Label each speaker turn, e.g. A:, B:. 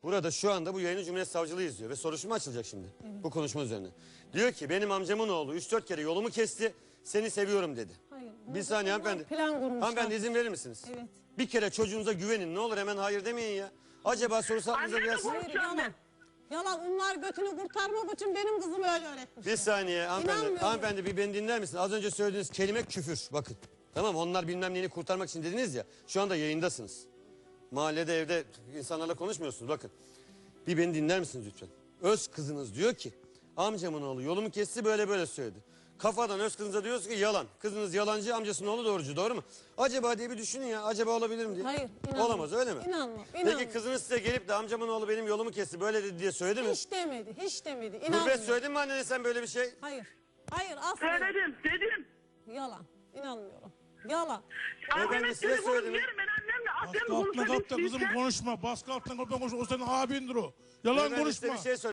A: Burada şu anda bu yayını Cumhuriyet Savcılığı izliyor ve soruşturma açılacak şimdi bu konuşma üzerine. Diyor ki benim amcamın oğlu 3-4 kere yolumu kesti, seni seviyorum dedi.
B: Hayır.
A: Bir saniye hanımefendi.
B: Plan kurmuşlar.
A: Hanımefendi izin verir misiniz?
B: Evet.
A: Bir kere çocuğunuza güvenin, ne olur hemen hayır demeyin ya. Acaba sorusu aklınıza
C: Anne de
A: gelsin.
B: Hayır yalan. Yalan, onlar götünü kurtarmak için benim kızımı öyle öğretmiş.
A: Bir saniye hanımefendi.
B: İnanmıyorum.
A: Hanımefendi bir beni dinler misiniz? Az önce söylediğiniz kelime küfür, bakın. Tamam, onlar bilmem neyini kurtarmak için dediniz ya. Şu anda yayındasınız. Mahallede, evde insanlarla konuşmuyorsunuz, bakın. Bir beni dinler misiniz lütfen? Öz kızınız diyor ki amcamın oğlu yolumu kesti, böyle böyle söyledi. Kafadan öz kızınıza diyorsunuz ki yalan. Kızınız yalancı, amcasının oğlu doğrucu, doğru mu? Acaba diye bir düşünün ya, acaba olabilir mi diye.
B: Hayır, inanmam.
A: Olamaz, öyle mi?
B: İnanmam.
A: Peki kızınız size gelip de amcamın oğlu benim yolumu kesti böyle dedi diye söyledi mi?
B: Hiç demedi, hiç demedi.
A: Gurbet
B: İnanmıyorum.
A: söyledin mi annene sen böyle bir şey?
B: Hayır. Hayır, asla.
C: Söyledim, dedim.
B: Yalan. İnanmıyorum. Yalan.
C: Anneme
A: size
C: telefonu
A: söyledim.
C: verin, ben annemle
D: Baskı altına kalk da kızım konuşma. Baskı altına kalk da konuşma. O senin abindir o. Yalan
A: Beyefendi, size
D: konuşma.
A: bir şey